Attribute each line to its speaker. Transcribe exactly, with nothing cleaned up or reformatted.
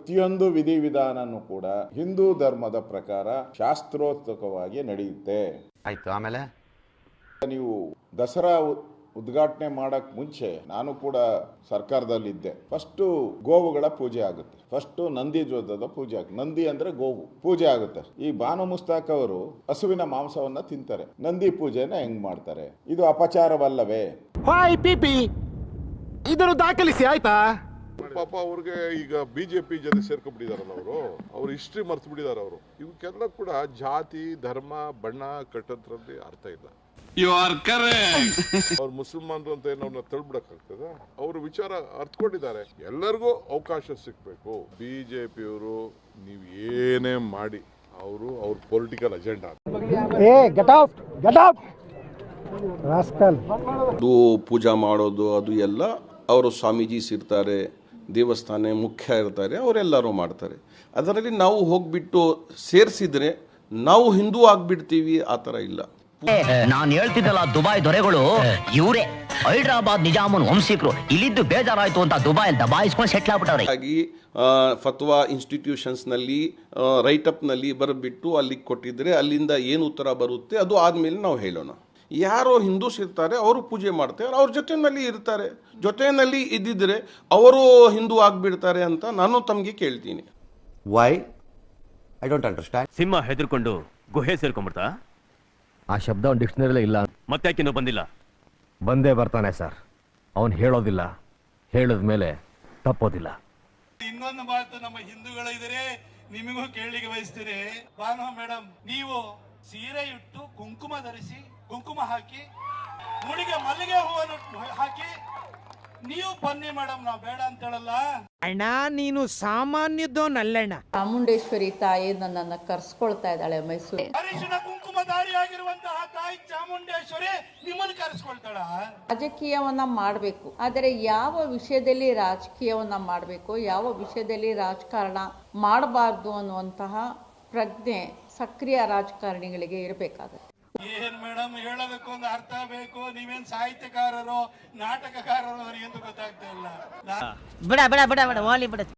Speaker 1: ಪ್ರತಿಯೊಂದು ವಿಧಿವಿಧಾನನೂ ಕೂಡ ಹಿಂದೂ ಧರ್ಮದ ಪ್ರಕಾರ ಶಾಸ್ತ್ರೋಕ್ತವಾಗಿ ನಡೆಯುತ್ತೆ.
Speaker 2: ಆಯ್ತು, ಆಮೇಲೆ
Speaker 1: ನೀವು ದಸರಾ ಉದ್ಘಾಟನೆ ಮಾಡಕ್ ಮುಂಚೆ ನಾನು ಕೂಡ ಸರ್ಕಾರದಲ್ಲಿದ್ದೆ. ಫಸ್ಟ್ ಗೋವುಗಳ ಪೂಜೆ ಆಗುತ್ತೆ, ಫಸ್ಟ್ ನಂದಿ ಜ್ಯೋತದ ಪೂಜೆ ಆಗುತ್ತೆ. ನಂದಿ ಅಂದ್ರೆ ಗೋವು ಪೂಜೆ ಆಗುತ್ತೆ. ಈ ಬಾನು ಮುಸ್ತಾಕ್ ಅವರು ಹಸುವಿನ ಮಾಂಸವನ್ನ ತಿಂತಾರೆ. ನಂದಿ ಪೂಜೆನ ಹೆಂಗ್ ಮಾಡ್ತಾರೆ? ಇದು ಅಪಚಾರವಲ್ಲವೇ?
Speaker 3: ಇದನ್ನು ದಾಖಲಿಸಿ ಆಯ್ತಾ?
Speaker 4: ಪಾಪ ಅವ್ರಿಗೆ ಈಗ ಬಿಜೆಪಿ ಜೊತೆ ಸೇರ್ಕೊಂಡ್ಬಿಟ್ಟಿದಾರಲ್ಲ ಅವರು ಅವ್ರ ಹಿಸ್ಟ್ರಿ ಮರ್ತು ಬಿಟ್ಟಿದ್ದಾರೆ. ಅವರು ಇವಕ್ಕೆಲ್ಲ ಕೂಡ ಜಾತಿ ಧರ್ಮ ಬಣ್ಣ ಕಟ್ಟದ್ರಲ್ಲಿ ಅರ್ಥ ಇಲ್ಲ. ಅವ್ರು ಮುಸಲ್ಮಾನರು ಅಂತ ಏನವ್ರನ್ನ ತಳ್ಬಿಡಕ್ಕಾಗ್ತದ? ಅವ್ರ ವಿಚಾರ ಅರ್ಥಕೊಂಡಿದ್ದಾರೆ. ಎಲ್ಲರಿಗೂ ಅವಕಾಶ ಸಿಗ್ಬೇಕು. ಬಿಜೆಪಿಯವರು ನೀವು ಏನೇ ಮಾಡಿ ಅವರು ಅವ್ರ ಪೊಲಿಟಿಕಲ್ ಅಜೆಂಡಾ
Speaker 5: ಅದು ಪೂಜಾ ಮಾಡೋದು ಅದು ಎಲ್ಲ ಅವರು ಸ್ವಾಮೀಜೀಸ್ ಇರ್ತಾರೆ, ದೇವಸ್ಥಾನ ಮುಖ್ಯ ಇರ್ತಾರೆ, ಅವರೆಲ್ಲರೂ ಮಾಡ್ತಾರೆ. ಅದರಲ್ಲಿ ನಾವು ಹೋಗ್ಬಿಟ್ಟು ಸೇರಿಸಿದ್ರೆ ನಾವು ಹಿಂದೂ ಆಗ್ಬಿಡ್ತೀವಿ, ಆ ಥರ ಇಲ್ಲ.
Speaker 6: ನಾನು ಹೇಳ್ತಿದ್ದಲ್ಲ, ದುಬೈ ದೊರೆಗಳು ಇವರೇ ಹೈದರಾಬಾದ್ ನಿಜಾಮನ್ ವಂಶಿಕರು. ಇಲ್ಲಿದ್ದು ಬೇಜಾರಾಯ್ತು ಅಂತ ದುಬೈ ದಬಾಯಿಸ್ಕೊಂಡು ಸೆಟ್ಲ್ ಆಗ್ಬಿಟ್ಟವ್ರೆ.
Speaker 5: ಹಾಗಾಗಿ ಫತ್ವಾ ಇನ್ಸ್ಟಿಟ್ಯೂಷನ್ಸ್ನಲ್ಲಿ ರೈಟಪ್ನಲ್ಲಿ ಬರಬಿಟ್ಟು ಅಲ್ಲಿಗೆ ಕೊಟ್ಟಿದ್ರೆ ಅಲ್ಲಿಂದ ಏನು ಉತ್ತರ ಬರುತ್ತೆ ಅದು ಆದಮೇಲೆ ನಾವು ಹೇಳೋಣ. ಯಾರೋ ಹಿಂದೂಸ್ ಇರ್ತಾರೆ, ಅವರು ಪೂಜೆ ಮಾಡ್ತಾರೆ, ಅವ್ರ ಜೊತೆಯಲ್ಲಿ ಇರ್ತಾರೆ. ಜೊತೆಯಲ್ಲಿ ಇದ್ದಿದ್ರೆ ಅವರು ಹಿಂದೂ ಆಗಿಬಿಡ್ತಾರೆ ಅಂತ ನಾನು ತಮಗೆ ಕೇಳ್ತೀನಿ.
Speaker 2: Why I don't understand.
Speaker 7: ಸಿಂಹ ಹೆದರ್ಕೊಂಡು ಗುಹೆ ಸೇರ್ಕೊಂಡ್ಬಿಡ್ತಾ?
Speaker 3: ಆ ಶಬ್ದ ಅವ್ನ ಡಿಕ್ಷನರಿಲೇ ಇಲ್ಲ.
Speaker 7: ಮತ್ತೆ ಯಾಕಿನ್ನೂ ಬಂದಿಲ್ಲ?
Speaker 3: ಬಂದೇ ಬರ್ತಾನೆ ಸರ್. ಅವನು ಹೇಳೋದಿಲ್ಲ, ಹೇಳಿದ ಮೇಲೆ ತಪ್ಪೋದಿಲ್ಲ.
Speaker 8: ಇನ್ನೊಂದು ಮಾತು ನಮ್ಮ ಹಿಂದೂಗಳು ಇದ್ರೆ ನಿಮಗೂ ಕೇಳಲಿಕ್ಕೆ ಬಯಸ್ತೀರಿ. ಭಾನು ಮೇಡಮ್, ನೀವು ಸೀರೆ ಇಟ್ಟು ಕುಂಕುಮ ಧರಿಸಿ ಕುಂಕುಮ ಹಾಕಿ ಮುಡಿಗೆ ಮಲ್ಲಿಗೆ ಹೂವನ್ನು ಹಾಕಿ ನೀವು ಬನ್ನಿ ಮೇಡಮ್, ನಾವು ಬೇಡ ಅಂತ ಹೇಳಲ್ಲ.
Speaker 9: ಅಣ್ಣ ನೀನು ಸಾಮಾನ್ಯದೋನಲ್ಲಣ್ಣ.
Speaker 10: ಚಾಮುಂಡೇಶ್ವರಿ ತಾಯಿ ನನ್ನನ್ನು ಕರ್ಸ್ಕೊಳ್ತಾ ಇದ್ದಾಳೆ ಮೈಸೂರು.
Speaker 8: ಅರಿಶಿನ ಕುಂಕುಮಧಾರಿ ಆಗಿರುವಂತಹ ತಾಯಿ ಚಾಮುಂಡೇಶ್ವರಿ ನಿಮ್ಮನ್ನು ಕರೆಸ್ಕೊಳ್ತಾಳ.
Speaker 10: ರಾಜಕೀಯವನ್ನ ಮಾಡಬೇಕು, ಆದರೆ ಯಾವ ವಿಷಯದಲ್ಲಿ ರಾಜಕೀಯವನ್ನ ಮಾಡಬೇಕು, ಯಾವ ವಿಷಯದಲ್ಲಿ ರಾಜಕಾರಣ ಮಾಡಬಾರ್ದು ಅನ್ನುವಂತಹ ಪ್ರಜ್ಞೆ ಸಕ್ರಿಯ ರಾಜಕಾರಣಿಗಳಿಗೆ ಇರಬೇಕಾಗುತ್ತೆ.
Speaker 8: ಏನ್ ಮೇಡಮ್ ಹೇಳೋದಕ್ಕೆ ಒಂದು ಅರ್ಥ ಬೇಕು. ನೀವೇನ್ ಸಾಹಿತ್ಯಕಾರರು ನಾಟಕಕಾರರು ಅಂತ ಗೊತ್ತಾಗ್ತಾ ಇಲ್ಲ.
Speaker 9: ಬಿಡ ಬಿಡ ಬಿಡ ಬಿಡ ಓಲಿ ಬಿಡ.